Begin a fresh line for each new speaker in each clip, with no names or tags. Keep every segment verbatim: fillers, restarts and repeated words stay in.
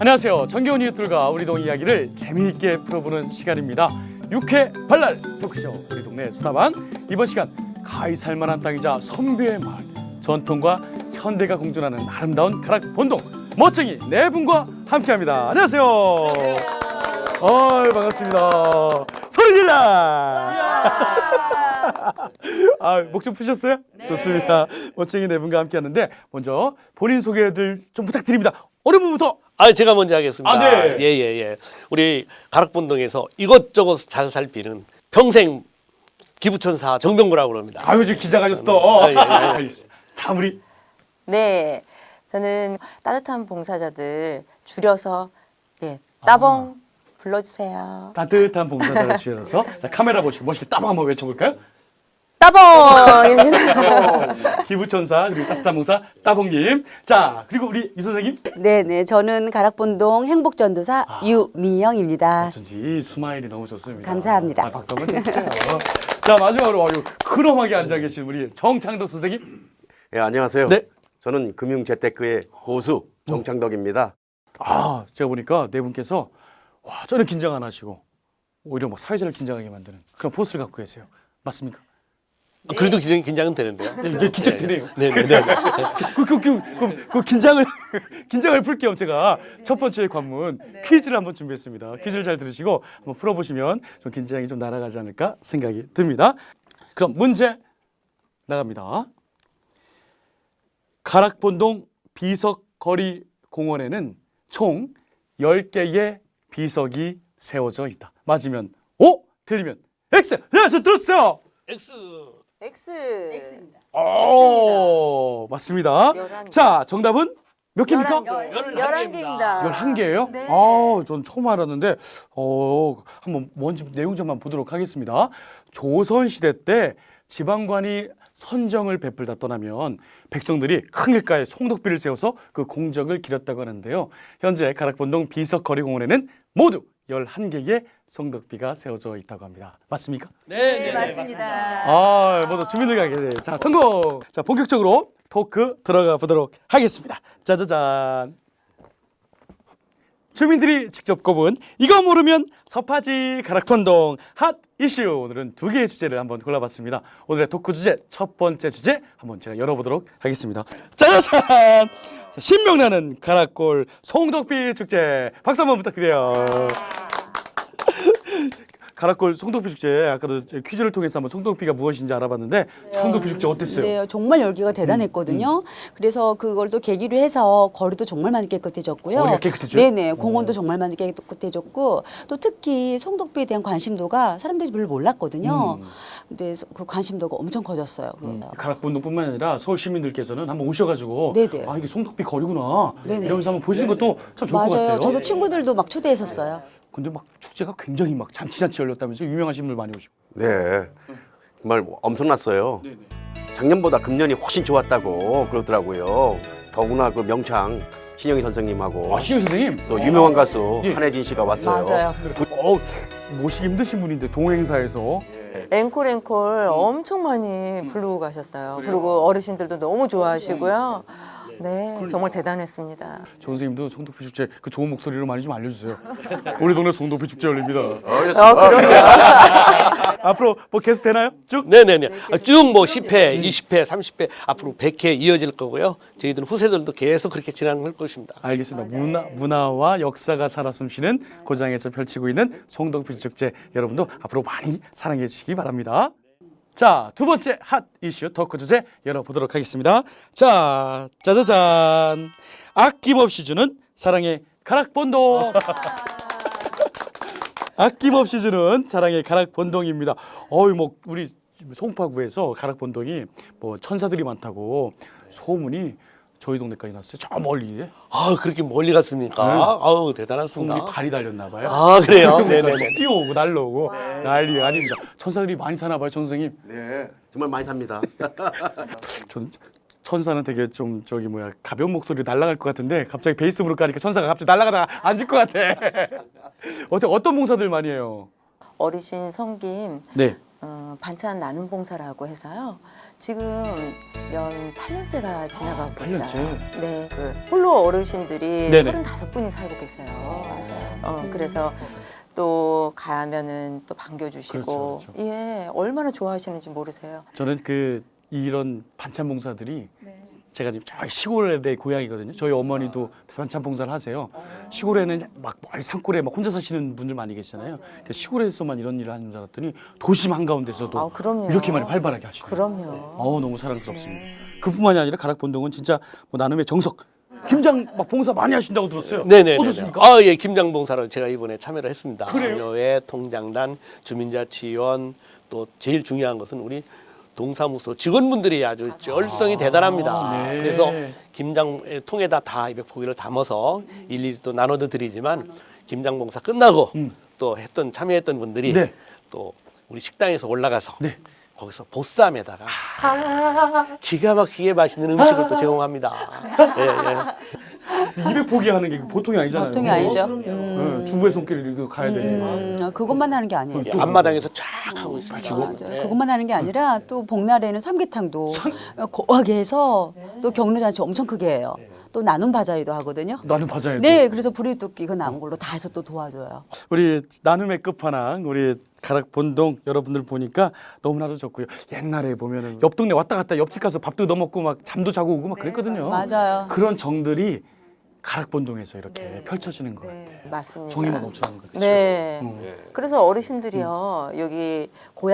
안녕하세요. 정겨운 이웃들과 우리 동 이야기를 재미있게 풀어보는 시간입니다. 육회 발랄 토크쇼 우리 동네 수다방. 이번 시간 가히 살만한 땅이자 선비의 마을, 전통과 현대가 공존하는 아름다운 가락 본동 멋쟁이 네 분과 함께합니다. 안녕하세요. 어, 반갑습니다. 소리 질러. 아, 목 좀 푸셨어요? 네. 좋습니다. 멋쟁이 네 분과 함께하는데 먼저 본인 소개들 좀 부탁드립니다. 어느 분부터?
아, 제가 먼저 하겠습니다.
아, 네.
예, 예, 예. 우리 가락본동에서 이것저것 잘 살피는 평생 기부천사 정병구라고 합니다.
아유, 지금 기자가셨어.
아, 예, 예.
자, 우리
네, 저는 따뜻한 봉사자들 줄여서 네, 따봉 아. 불러주세요.
따뜻한 봉사자를 주셔서 자, 카메라 보시고 멋있게 따봉 한번 외쳐볼까요?
따봉입니다.
기부천사 그리고 따뜻한 봉사 따봉님. 자, 그리고 우리 이 선생님.
네네, 저는 가락본동 행복전도사
아.
유미영입니다.
어쩐지 스마일이 너무 좋습니다.
감사합니다.
아, 박수 한번 해주세요. 자, 마지막으로 아유, 크롬하게 앉아 계신 우리 정창덕 선생님.
예, 안녕하세요.
네.
저는 금융재테크의 고수 정창덕입니다.
아, 제가 보니까 네 분께서 와, 전혀 긴장 안 하시고 오히려 뭐 사회자를 긴장하게 만드는 그런 포스를 갖고 계세요. 맞습니까?
아, 그래도 긴장, 긴장은 되는데요.
네, 이게 긴장되네요.
네, 네, 네.
그, 그, 그, 그, 그 긴장을 긴장을 풀 겸 제가 첫 번째 관문 퀴즈를 한번 준비했습니다. 퀴즈를 잘 들으시고 한번 풀어보시면 좀 긴장이 좀 날아가지 않을까 생각이 듭니다. 그럼 문제 나갑니다. 가락본동 비석거리 공원에는 총 열 개의 비석이 세워져 있다. 맞으면 O, 틀리면 X. 네, 저 들었어요.
X.
X.
X입니다.
오, 맞습니다.
열한 개.
자, 정답은 몇 개입니까?
열한 개입니다.
열한 개예요?
네.
아, 전 처음 알았는데 어, 한번 뭔지 내용 좀만 보도록 하겠습니다. 조선 시대 때 지방관이 선정을 베풀다 떠나면 백성들이 큰 길가에 송덕비를 세워서 그 공적을 기렸다고 하는데요. 현재 가락본동 비석거리공원에는 모두 열한 개의 송덕비가 세워져 있다고 합니다. 맞습니까?
네,
네, 맞습니다.
아, 모두 주민들 가게 돼. 자, 성공. 자, 본격적으로 토크 들어가 보도록 하겠습니다. 짜자잔. 주민들이 직접 꼽은 이거 모르면 섭하지 가락본동 핫 이슈. 오늘은 두 개의 주제를 한번 골라봤습니다. 오늘의 토크 주제 첫 번째 주제 한번 제가 열어보도록 하겠습니다. 짜자잔. 자, 신명나는 가락골 송덕비 축제 박수 한번 부탁드려요. 가락골 송덕비 축제 아까도 퀴즈를 통해서 한번 송덕비가 무엇인지 알아봤는데 송덕비 축제 어땠어요?
네, 정말 열기가 대단했거든요.
음,
그래서 그걸 또 계기로 해서 거리도 정말 많이 깨끗해졌고요.
거리가 깨끗해져요?
네네, 공원도 정말 많이 깨끗해졌고 또 특히 송덕비에 대한 관심도가 사람들이 별로 몰랐거든요.
음.
근데 그 관심도가 엄청 커졌어요.
음, 가락본동뿐만 아니라 서울 시민들께서는 한번 오셔가지고
네네.
아 이게 송덕비 거리구나
네네.
이러면서 한번 보시는 것도 참 좋을 것
맞아요.
같아요.
저도 친구들도 막 초대했었어요.
근데 막 축제가 굉장히 막 잔치잔치 열렸다면서 유명하신 분들 많이 오시고.
네, 정말 엄청났어요. 작년보다 금년이 훨씬 좋았다고 그러더라고요. 더구나 그 명창 신영희 선생님하고
아, 신영 선생님.
또 유명한 가수
예.
한혜진 씨가 왔어요.
맞아요.
어, 모시기 힘드신 분인데 동행사에서
앵콜 앵콜 엄청 많이 부르고 가셨어요. 그리고 어르신들도 너무 좋아하시고요. 네, 정말 대단했습니다.
정 선생님도 송덕비 축제 그 좋은 목소리로 많이 좀 알려주세요. 우리 동네 송덕비 축제 열립니다.
어, 그럼요.
앞으로 뭐 계속 되나요? 쭉?
네네네. 쭉 뭐 십 회, 이십 회, 삼십 회 앞으로 백 회 이어질 거고요. 저희들은 후세들도 계속 그렇게 진행할 것입니다.
알겠습니다. 문화, 문화와 역사가 살아 숨쉬는 고장에서 펼치고 있는 송덕비 축제 여러분도 앞으로 많이 사랑해 주시기 바랍니다. 자, 두 번째 핫 이슈 토크 주제 열어보도록 하겠습니다. 자, 짜자잔. 아낌없이 주는 사랑의 가락본동. 아낌없이 주는 사랑의 가락본동입니다. 어이 뭐 우리 송파구에서 가락본동이 뭐 천사들이 많다고 소문이 저희 동네까지 났어요. 저 멀리.
아, 그렇게 멀리 갔습니까?
네.
아우, 대단하십니다.
소문이 발이 달렸나 봐요.
아, 그래요? 네네네.
뛰어오고 날라오고 난리가 아닙니다. 천사들이 많이 사나 봐요, 천 선생님.
네, 정말 많이 삽니다.
전 천사는 되게 좀 저기 뭐야 가벼운 목소리 날아갈 것 같은데 갑자기 베이스부로 가니까 천사가 갑자기 날아가다가 앉을 것 같아. 어때 어떤 봉사들 많이 해요?
어르신 성김
네.
어, 반찬 나눔 봉사라고 해서요. 지금 연 팔 년째가 지나가고
팔
있어요.
년째?
네, 그 홀로 어르신들이
네네.
서른다섯 분이 살고 계세요. 어, 그래서 또 가면은 또 반겨주시고,
그렇죠, 그렇죠.
예, 얼마나 좋아하시는지 모르세요.
저는 그 이런 반찬 봉사들이 제가 지금 저 시골의 고향이거든요. 저희 어머니도 반찬 봉사를 하세요. 시골에는 막 멀리 산골에 막 혼자 사시는 분들 많이 계시잖아요. 그러니까 시골에서만 이런 일을 하는 줄 알았더니 도심 한가운데서도
아, 그럼요.
이렇게 많이 활발하게 하시네요.
그럼요.
어우, 너무 사랑스럽습니다. 그뿐만이 아니라 가락본동은 진짜 뭐 나눔의 정석. 김장 막 봉사 많이 하신다고 들었어요.
네네.
어떻습니까?
아, 예, 김장봉사를 제가 이번에 참여를 했습니다.
그래요?
교회, 통장단, 주민자치원, 또 제일 중요한 것은 우리 동사무소 직원분들이 아주 열성이 대단합니다.
네.
그래서 김장 통에다 다 이백 포기를 담아서 일일이 또 나눠도 드리지만 김장봉사 끝나고 또 했던 참여했던 분들이
네.
또 우리 식당에서 올라가서
네.
거기서 보쌈에다가 기가 막히게 맛있는 음식을 또 제공합니다. 예, 예.
이백 포기 하는 게 보통이 아니잖아요.
보통이 아니죠.
네, 주부의 손길을 이렇게 가야 되니까.
음, 그것만 하는 게 아니에요.
예, 앞마당에서 쫙 하고 있습니다.
맞아요.
예.
그것만 하는 게 아니라 또 복날에는 삼계탕도 거하게 해서 또 경로잔치 엄청 크게 해요. 또 나눔 바자회도 하거든요.
나는 바자회.
네, 그래서 부리토끼 그 남은 걸로 다 해서 또 도와줘요.
우리 나눔의 끝판왕 우리 가락본동 여러분들 보니까 너무나도 좋고요. 옛날에 보면은 옆 동네 왔다 갔다 옆집 가서 밥도 넣어 먹고 막 잠도 자고 오고 막 그랬거든요.
맞아요.
그런 정들이 가락본동에서 이렇게 펼쳐지는 것 같아요.
네, 맞습니다.
정이만 넘쳐나는 것 같아요.
네.
음.
그래서 어르신들이요, 여기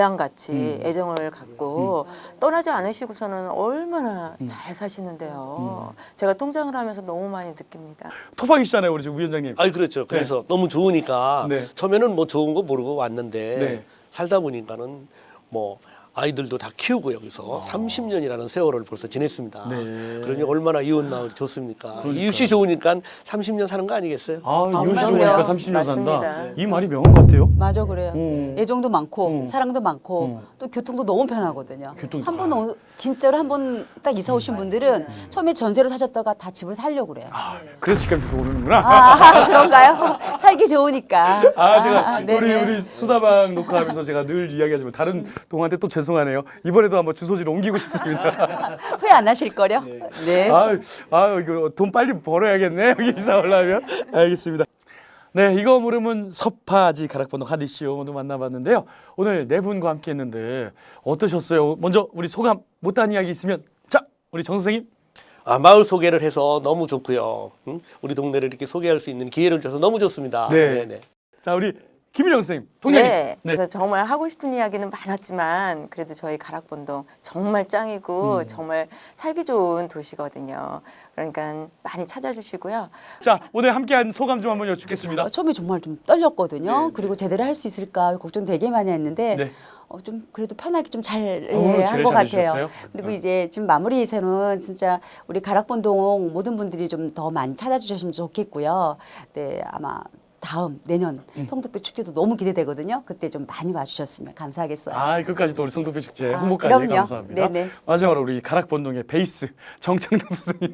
고향같이 애정을 갖고 떠나지 않으시고서는 얼마나 잘 사시는데요. 제가 통장을 하면서 너무 많이 느낍니다.
토박이시잖아요, 우리 지금 위원장님.
아니 그렇죠. 그래서 너무 좋으니까
네.
처음에는 뭐 좋은 거 모르고 왔는데
네.
살다 보니까는 뭐 아이들도 다 키우고 여기서 삼십 년이라는 세월을 벌써 지냈습니다.
아. 네.
그러니 얼마나 이웃 마을이 좋습니까? 이웃이 좋으니까 삼십 년 사는 거 아니겠어요?
아,
아,
이웃이
그럼요.
좋으니까 삼십 년 산다.
맞습니다.
이 말이 명언 같아요.
맞아 그래요.
음.
애정도 많고
음.
사랑도 많고
음.
또 교통도 너무 편하거든요.
교통이-
한 번 진짜로 한 번 딱 이사 오신 분들은 처음에 전세로 사셨다가 다 집을 살려고 그래요.
아, 그래서 집값이 오르는구나.
아, 그런가요? 살기 좋으니까.
아, 제가
아,
우리
네네.
우리 수다방 녹화하면서 제가 늘 이야기하지만 다른 동한테 또 죄송하네요. 이번에도 한번 주소지를 옮기고 싶습니다.
후회 안 하실 거려? 네.
아, 아 이거 돈 빨리 벌어야겠네. 여기 이사 올라면. 알겠습니다. 네, 이거 모르면 서파지 가락번호 하디쇼 모두 만나봤는데요. 오늘 네 분과 함께했는데 어떠셨어요? 먼저 우리 소감 못한 이야기 있으면 자, 우리 정 선생님.
아, 마을 소개를 해서 너무 좋고요. 응? 우리 동네를 이렇게 소개할 수 있는 기회를 줘서 너무 좋습니다.
네.
네.
자, 우리 김일영 선생님. 통장님.
네. 그래서 정말 하고 싶은 이야기는 많았지만 그래도 저희 가락본동 정말 짱이고 정말 살기 좋은 도시거든요. 그러니까 많이 찾아주시고요.
자, 오늘 함께한 소감 좀 한번 여쭙겠습니다.
어, 처음에 정말 좀 떨렸거든요. 그리고 제대로 할 수 있을까 걱정 되게 많이 했는데
네.
어, 좀 그래도 편하게 좀 잘
어,
예,
제일
한 것 같아요.
잘해주셨어요?
그리고 이제 지금 마무리에서는 진짜 우리 가락본동 모든 분들이 좀 더 많이 찾아주셨으면 좋겠고요. 네, 아마 다음 내년
음.
성덕배 축제도 너무 기대되거든요. 그때 좀 많이 와주셨으면 감사하겠어요.
아, 끝까지 또 우리 성도표 축제
아,
홍보까지
그럼요.
감사합니다.
네네.
마지막으로 우리 가락본동의 베이스 정창당 선생님.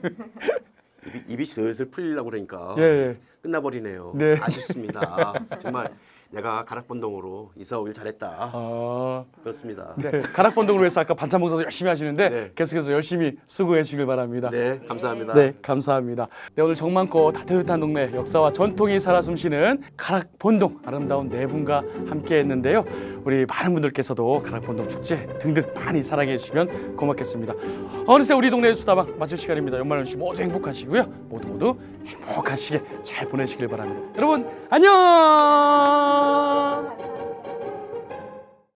입이, 입이 슬슬 풀리려고 그러니까
예, 예.
끝나버리네요.
네.
아쉽습니다. 정말 내가 가락본동으로 이사 오길 잘했다.
아,
그렇습니다.
네. 가락본동으로 해서 아까 반찬 봉사도 열심히 하시는데
네.
계속해서 열심히 수고해 주시길 바랍니다.
네, 감사합니다.
네, 감사합니다. 네, 오늘 정 많고 따뜻한 동네 역사와 전통이 살아 숨쉬는 가락본동 아름다운 네 분과 함께했는데요. 우리 많은 분들께서도 가락본동 축제 등등 많이 사랑해 주시면 고맙겠습니다. 어느새 우리 동네 수다방 마칠 시간입니다. 연말 연시 모두 행복하시고요. 모두 모두 행복하시게 잘 보내시길 바랍니다. 여러분 안녕.